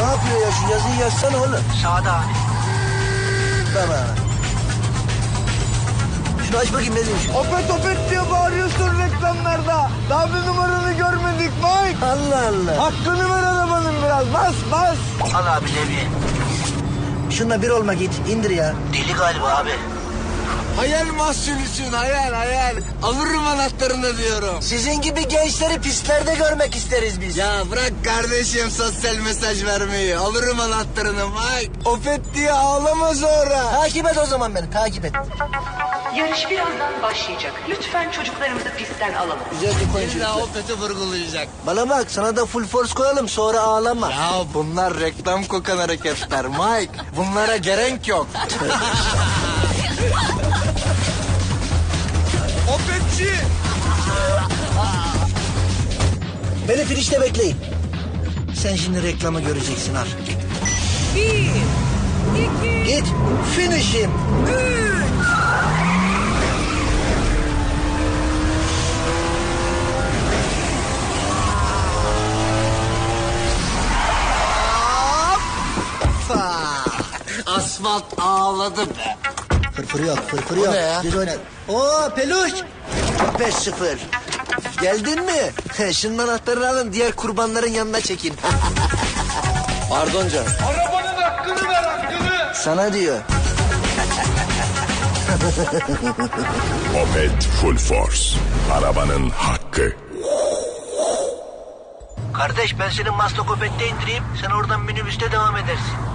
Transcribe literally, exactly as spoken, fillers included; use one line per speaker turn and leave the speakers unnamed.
Ne yapıyor ya, şu yazıyı yazsana oğlum.
Sağda abi.
Tamam. Şunu aç bakayım, ne demiş?
Opet opet diye bağırıyorsun reklamlarda. Daha bir numaranı görmedik Mike.
Allah Allah.
Hakkını ver arabanın biraz. Bas bas.
Al abi Levi.
Şununla bir olma, git indir ya.
Deli galiba abi.
Hayal mahsulüsün hayal hayal. Alırım anahtarını diyorum.
Sizin gibi gençleri pistlerde görmek isteriz biz.
Ya bırak kardeşim sosyal mesaj vermeyi. Alırım anahtarını Mike. Opet diye ağlama sonra.
Takip et o zaman beni, takip et.
Yarış birazdan başlayacak. Lütfen çocuklarımızı pistten alalım.
Güzel bir koyun
İlla
çocuklar.
Opet'i vurgulayacak.
Bana bak, sana da full force koyalım, sonra ağlama.
Ya bunlar reklam kokan hareketler Mike. Bunlara gerek yok. Opetçi.
Beni finişte bekleyin. Sen şimdi reklamı göreceksin, al.
Bir, iki,
Git, finishim.
üç.
Asfalt ağladı be.
Fırfırı yok, fırfırı yok.
ne ya?
Düz oyna. Oo peluş. beş sıfır. Geldin mi? Şunun anahtarını alın, diğer kurbanların yanına çekin.
Pardon canım.
Arabanın hakkını ver hakkını.
Sana diyor.
Opet Full Force. Arabanın hakkı.
Kardeş ben seni Maslakopet'te indireyim. Sen oradan minibüste devam edersin.